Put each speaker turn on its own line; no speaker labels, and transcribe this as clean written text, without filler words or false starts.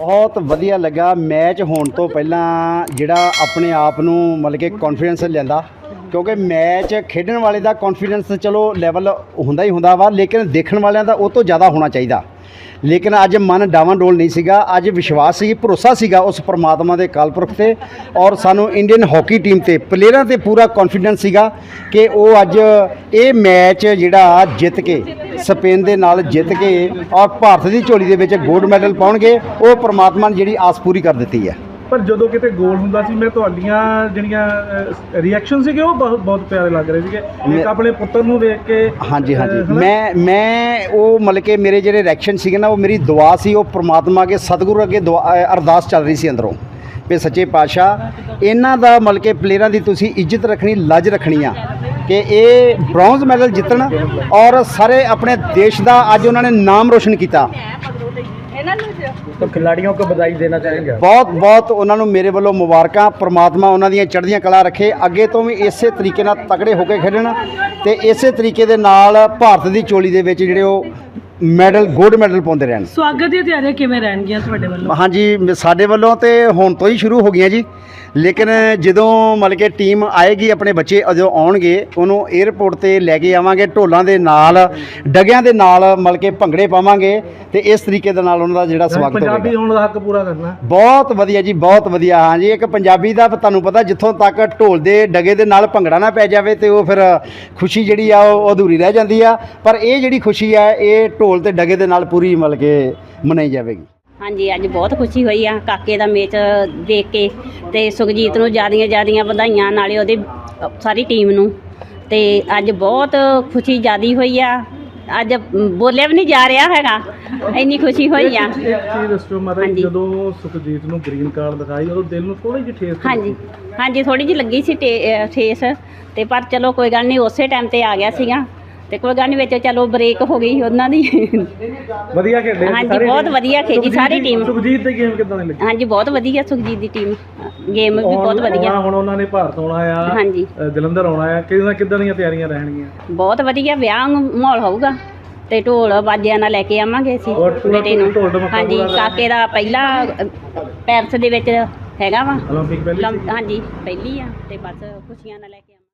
बहुत वधिया लगा मैच होने तो पहला जिहड़ा अपने आप नूं मतलब कि कॉन्फिडेंस लिआंदा क्योंकि मैच खेडण वाले दा कॉन्फिडेंस चलो लैवल हुंदा ही हुंदा वा लेकिन देखण वालिਆਂ ਦਾ ਉਹ ਤੋਂ ਜ਼ਿਆਦਾ होना चाहिए। लेकिन अज मन डावाडोल नहीं सीगा, अज विश्वास सी भरोसा सीगा उस परमात्मा के कालपुरख से और सानू इंडियन हॉकी टीम ते प्लेयरां ते पूरा कॉन्फिडेंस सीगा कि वो अज ये मैच जिहड़ा जित के स्पेन दे नाल जित के और भारत की झोली दे विच गोल्ड मैडल पाउणगे वो परमात्मा ने जिहड़ी आस पूरी कर दित्ती है।
पर जो किते गोल हुंदा सी मैं तुहाडीਆਂ ਜਿਹੜੀਆਂ रिएक्शन ਸੀਗੇ ਉਹ बहुत प्यारे लग रहे ਸੀਗੇ एक अपने पुत्र ਨੂੰ देख के।
हाँ जी हाँ जी मैं वो मतलब कि मेरे ਜਿਹੜੇ रिएक्शन ਸੀਗੇ ना वो मेरी दुआ सी वो परमात्मा के सतगुरु अगे दुआ अरदास चल रही सी अंदरों भी सच्चे पातशाह इन्हां दा मतलब कि प्लेयरां दी तुसीं इज्जत रखनी लज रखनी आ कि ये ब्रॉन्ज मैडल जितण और सारे अपने देश का अज उन्होंने नाम रोशन किया।
तो खिलाड़ियों को बधाई देना चाहेंगे।
बहुत बहुत उन्होंने मेरे वालों मुबारकां, परमात्मा उन्होंने चढ़दियां कला रखे अगे तो भी इस तरीके नाल तगड़े होकर खेडण ते इस तरीके दे नाल भारत की झोली दे विच जिहड़े वो मैडल गोल्ड मैडल पाउंदे रहन।
स्वागत दी तैयारियां किवें रहणगीਆਂ ਤੁਹਾਡੇ ਵੱਲੋਂ?
हाँ जी साडे वालों तो हुण तो ही शुरू हो गई जी लेकिन ਜਦੋਂ मतलब कि टीम आएगी अपने बच्चे जो आउणगे ਉਹਨੂੰ एयरपोर्ट ਤੇ ਲੈ ਕੇ ਆਵਾਂਗੇ ਢੋਲਾਂ ਦੇ ਨਾਲ ਡਗਿਆਂ ਦੇ ਨਾਲ ਮਤਲਬ ਕਿ ਭੰਗੜੇ ਪਾਵਾਂਗੇ ਤੇ ਇਸ ਤਰੀਕੇ ਦੇ ਨਾਲ ਉਹਨਾਂ ਦਾ ਜਿਹੜਾ ਸਵਾਗਤ ਹੋਵੇਗਾ।
ਪੰਜਾਬੀ ਹੋਣ ਦਾ ਹੱਕ ਪੂਰਾ ਕਰਨਾ
ਬਹੁਤ ਵਧੀਆ ਜੀ ਬਹੁਤ ਵਧੀਆ। ਹਾਂ ਜੀ ਇੱਕ ਪੰਜਾਬੀ ਦਾ ਤੁਹਾਨੂੰ ਪਤਾ ਜਿੱਥੋਂ ਤੱਕ ਢੋਲ ਦੇ ਡਗੇ ਦੇ ਨਾਲ ਭੰਗੜਾ ਨਾ ਪੈ ਜਾਵੇ ਤੇ ਉਹ ਫਿਰ ਖੁਸ਼ੀ ਜਿਹੜੀ ਆ ਉਹ ਅਧੂਰੀ ਰਹਿ ਜਾਂਦੀ ਆ ਪਰ ਇਹ ਜਿਹੜੀ ਖੁਸ਼ੀ ਆ ਇਹ ਢੋਲ ਤੇ ਡਗੇ ਦੇ ਨਾਲ ਪੂਰੀ ਮਤਲਬ ਕਿ ਮਨਾਈ ਜਾਵੇਗੀ।
हाँ जी अज बहुत खुशी हुई आ काके का मैच देख के ते सुखजीत नूं ज़्यादा बधाइयां नाले उहदी सारी टीम नूं ते अज बहुत खुशी ज़्यादा हुई आ अज बोलिया भी नहीं जा रहा हैगा इन्नी खुशी हुई आ।
एक चीज़ दस्सो माता जदों सुखजीत नूं ग्रीन कार्ड दिखाई उदों दिल नूं थोड़ी जी ठेस।
हाँ जी थोड़ी जी लगी सी ठेस ते पर चलो कोई गल नहीं उस टाइम ते आ गया सीगा ਤੇ ਕੋਈ ਗੱਲ ਨਹੀਂ ਵਿੱਚ ਚਲੋ ਬ੍ਰੇਕ ਹੋ ਗਈ ਉਹਨਾਂ ਦੀ।
ਵਧੀਆ ਖੇਡੇ
ਹਾਂਜੀ ਬਹੁਤ ਵਧੀਆ ਖੇਡੀ ਸਾਰੀ ਟੀਮ।
ਸੁਖਜੀਤ ਦੀ ਗੇਮ ਕਿੱਦਾਂ ਦੀ ਲੱਗੀ?
ਹਾਂਜੀ ਬਹੁਤ ਵਧੀਆ ਸੁਖਜੀਤ ਦੀ ਟੀਮ ਗੇਮ ਵੀ ਬਹੁਤ ਵਧੀਆ।
ਹੁਣ ਉਹਨਾਂ ਨੇ ਭਾਰਤ ਆਉਣਾ ਆ
ਹਾਂਜੀ
ਜਲੰਧਰ ਆਉਣਾ ਆ ਕਿੱਦਾਂ ਦੀਆਂ ਤਿਆਰੀਆਂ ਰਹਿਣਗੀਆਂ?
ਬਹੁਤ ਵਧੀਆ ਵਿਆਹ ਮਾਹੌਲ ਹੋਊਗਾ ਤੇ ਢੋਲ ਬਾਜਿਆਂ ਨਾਲ ਲੈ ਕੇ ਆਵਾਂਗੇ ਅਸੀਂ ਬੇਟੇ ਨੂੰ। ਹਾਂਜੀ ਕਾਕੇ ਦਾ ਪਹਿਲਾ ਪੈਰਿਸ ਦੇ ਵਿੱਚ ਹੈਗਾ ਵਾ
ਓਲੰਪਿਕ ਪਹਿਲੀ।
ਹਾਂਜੀ ਪਹਿਲੀ ਆ ਤੇ ਬਸ ਖੁਸ਼ੀਆਂ ਨਾਲ ਲੈ ਕੇ